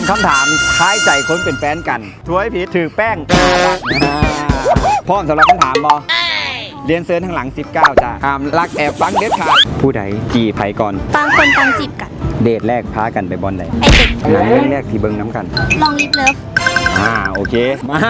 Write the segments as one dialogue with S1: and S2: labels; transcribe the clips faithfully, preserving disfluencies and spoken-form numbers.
S1: คำถามท้ายใจคนเป็นแฟนกันถวยผิดถือแป้งพร้อมสำหรับคำถามบอเรียนเซิร์นทางหลังสิบเก้าจ้าห้ามรักแอบฟังเด็ดขาดผู้ใดจีบไผก่อน
S2: บางคนต้องจีบกัน
S1: เดทแรกพากันไปบอลใด
S2: ไอเด็ก
S1: หนังเรื่องแรกที่เบิ้งน้ำกัน
S2: ลองลิฟเลิฟ
S1: อ่าโอเคมา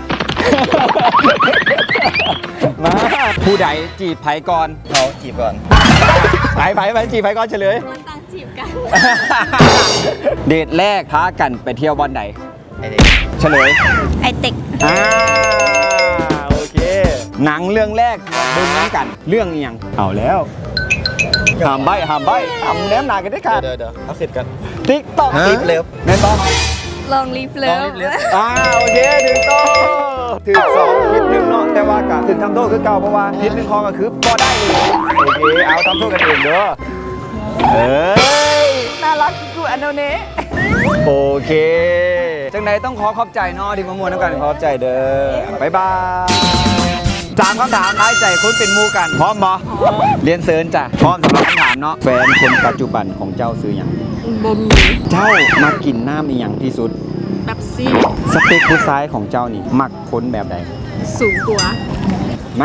S1: มาผู้ใดจีบไผก่อน
S3: เขาจีบก่อน
S1: ไผไผไผจีบไผก่อนเฉลย
S2: คนต้องจีบกัน
S1: เดทแรกพากันไปเที่ยวบอลใด
S3: ไอเด็ก
S1: เฉลย
S2: ไอเด็ก
S1: อ่าโอเคหนังเรื่องแรกเบิ้งน้ำกันเรื่องอีหยังเอาแล้วห้ามใบห้ามใบห้ามแนมหนากันได้ค่ะ
S3: เดี๋ยวเดี๋ยวเอาคิดกัน
S1: ติ๊กต๊อก
S3: ลิฟเลิฟ
S1: แม่นบอ
S2: ลองลิฟเลิ
S3: ลอง
S2: ฟ
S3: ลิฟเลิฟ
S1: อ่าโอเคถึงโตถึงสองผิดหนึ่งเนาะแต่ว่ากะถึงทำโทษคือเก่าเพราะว่าผิดหนึ่งคอก็คือพอได้เลยโอเคเอาทำโทษกันเองเด้อเอ้ยน่ารักกูอันโนเน่โอเคจังใดต้องขอขอบใจเนาะที่มามวนน้ำกันขอขอบใจเด้อบ๊ายบายสามคำถามท้ายใจคุณเป็นหมูกันพร้อมบอเรียนเซิร์นจ้ะพร้อมสำหรับคำถามเนาะแฟนคนปัจจุบันของเจ้าซื้ออย่าง
S2: บมี
S1: เจ้ามากินน้ำอีหยังที่สุด
S2: แบบซี่
S1: สเปคผู้ชายของเจ้านี่มักคนแบบใด
S2: สูงกว่า
S1: มา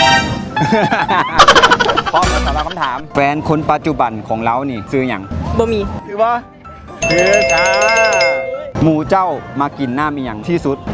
S1: พร้อมแล้วสำหรับคำถาม แฟนคนปัจจุบันของเรานี่ซื้ออย่าง
S2: บมี
S1: คือว่าคือจ้าหมูเจ้ามากินน้ำอีหยังที่สุด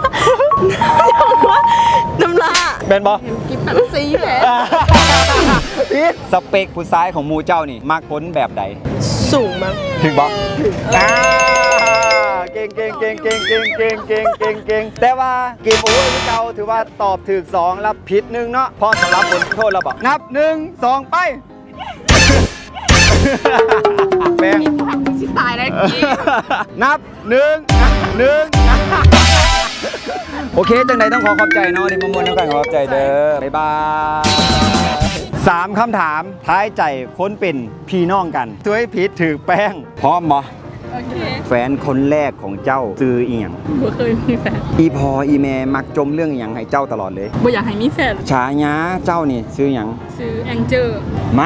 S2: น้ำลา
S1: แบนบอ
S2: กินแบบซี่แหละ
S1: พีทสเปคผู้ชายของหมูเจ้านี่มักคนแบบใด
S2: สูงมั้ง
S1: ถึงบออ่าเก่งเก่งเก่งเก่งเก่งเก่งเก่งเก่งเก่งแต่ว่าเกมโอเวอร์ที่เก่าถือว่าตอบถูกสองรับผิดหนึ่งเนาะพอสำหรับบทโทษเราบอกนับหนึ่งสองไปแป้ง
S2: ชิตายแล้วกี้
S1: นับหนึ่งหนึ่งโอเคจังใดต้องขอขอบใจเนาะที่มามวนน้ำกันขอขอบใจเด้อบ๊ายบายสามคำถามท้ายใจค้นเป็นพี่น้องกันช่วยผิดถือแป้งพร้อมบ่
S2: โอเค
S1: แฟนคนแรกของเจ้าซื้ออีหยัง
S2: บ่เคยมีแฟน
S1: อีพออีแม่มักจมเรื่องอีหยังให้เจ้าตลอดเลย
S2: บ่อยากให้มีแฟน
S1: ฉายาเจ้านี่ซื้อหยัง
S2: ซื้อแองเจอร์
S1: มา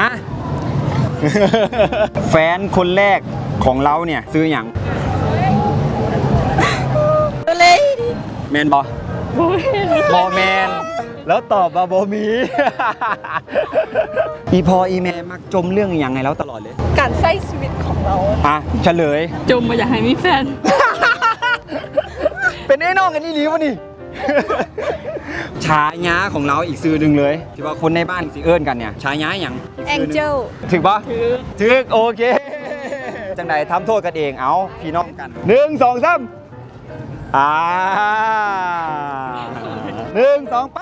S1: แฟนคนแรกของเราเนี่ยซื้อหยัง
S2: เลย
S1: แมนบอ
S2: บ่เห็น
S1: บอแมนแล้วตอบมาบอมี อีพออีแม่มักจมเรื่องอีหยังให้เราตลอดเลย
S2: การใช้ชีวิตของเรา
S1: อ่ะเฉลย
S2: จมบ่อยากให้มีแฟน
S1: เป็นไอ้น้องกันนี่หลีวะนี่ ฉายาของเราอีกซื้อหนึ่งเลยที่ว่าคนในบ้านสิเอิ้นกันเนี่ยฉายาอย่างก
S2: แอง
S1: ซื้หนึ่
S2: เจล
S1: ถึกปะ
S2: คือ
S1: ถึกโอเค จังใดทำโทษกันเองเอาพี่น้องกันหนึ่งสองสามอ่าหนึ่งสองไป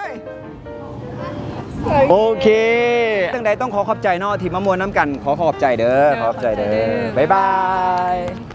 S1: โอเคจังใดต้องขอขอบใจเนาะที่มามวนน้ำกันขอขอบใจเด้อขอขอบใจเด้อบ๊ายบาย